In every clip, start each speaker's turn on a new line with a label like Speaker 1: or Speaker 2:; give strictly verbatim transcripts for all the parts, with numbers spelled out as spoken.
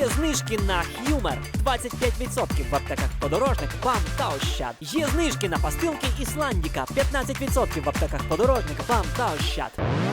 Speaker 1: Є знижки на Humor двадцять п'ять відсотків в аптеках Подорожник, БАМ та Ощад. Є знижки на пастилки Ісландіка п'ятнадцять відсотків в аптеках Подорожник, БАМ та Ощад.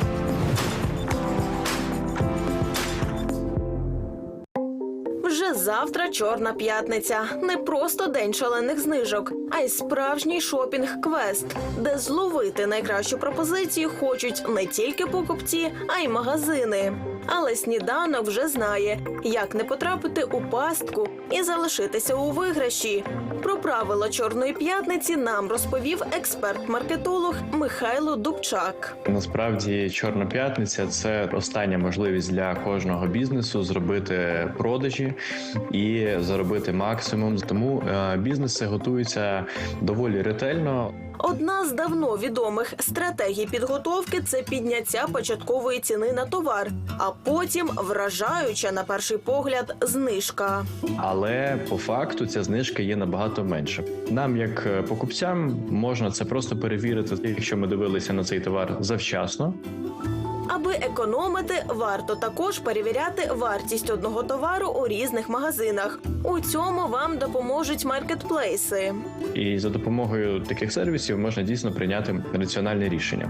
Speaker 2: Вже завтра Чорна п'ятниця. Не просто день шалених знижок, а й справжній шопінг-квест, де зловити найкращу пропозицію хочуть не тільки покупці, а й магазини. Але сніданок вже знає, як не потрапити у пастку і залишитися у виграші. Про правила Чорної п'ятниці нам розповів експерт-маркетолог Михайло Дубчак.
Speaker 3: Насправді, Чорна п'ятниця – це остання можливість для кожного бізнесу зробити продажі і заробити максимум. Тому е, бізнеси готуються доволі ретельно.
Speaker 2: Одна з давно відомих стратегій підготовки – це підняття початкової ціни на товар, а потім вражаюча, на перший погляд, знижка.
Speaker 3: Але по факту ця знижка є набагато менша. Нам, як покупцям, можна це просто перевірити, якщо ми дивилися на цей товар завчасно.
Speaker 2: Аби економити, варто також перевіряти вартість одного товару у різних магазинах. У цьому вам допоможуть маркетплейси.
Speaker 3: І за допомогою таких сервісів можна дійсно прийняти раціональне рішення.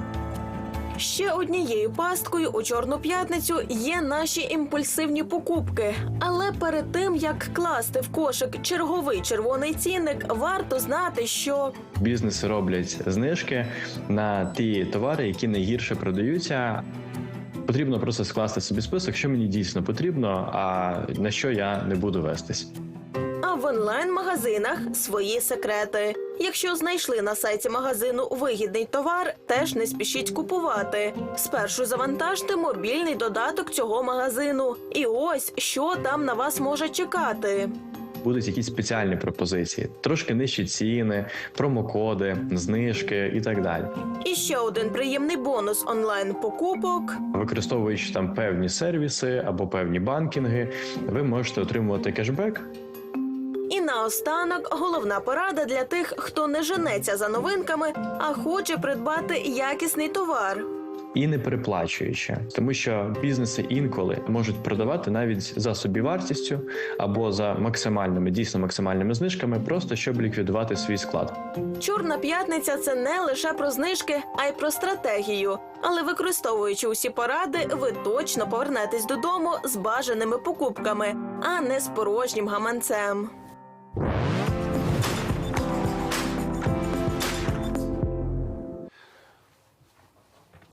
Speaker 2: Ще однією пасткою у Чорну п'ятницю є наші імпульсивні покупки. Але перед тим, як класти в кошик черговий червоний цінник, варто знати, що
Speaker 3: Бізнеси роблять знижки на ті товари, які найгірше продаються. Потрібно просто скласти собі список, що мені дійсно потрібно, а на що я не буду вестись.
Speaker 2: А в онлайн-магазинах свої секрети. Якщо знайшли на сайті магазину вигідний товар, теж не спішіть купувати. Спершу завантажте мобільний додаток цього магазину. І ось, що там на вас може чекати.
Speaker 3: Будуть якісь спеціальні пропозиції, трошки нижчі ціни, промокоди, знижки і так далі.
Speaker 2: І ще один приємний бонус онлайн-покупок.
Speaker 3: Використовуючи там певні сервіси або певні банкінги, ви можете отримувати кешбек.
Speaker 2: І наостанок головна порада для тих, хто не женеться за новинками, а хоче придбати якісний товар.
Speaker 3: І не переплачуючи, тому що бізнеси інколи можуть продавати навіть за собівартістю або за максимальними, дійсно максимальними знижками, просто щоб ліквідувати свій склад.
Speaker 2: Чорна п'ятниця – це не лише про знижки, а й про стратегію. Але використовуючи усі поради, ви точно повернетесь додому з бажаними покупками, а не з порожнім гаманцем.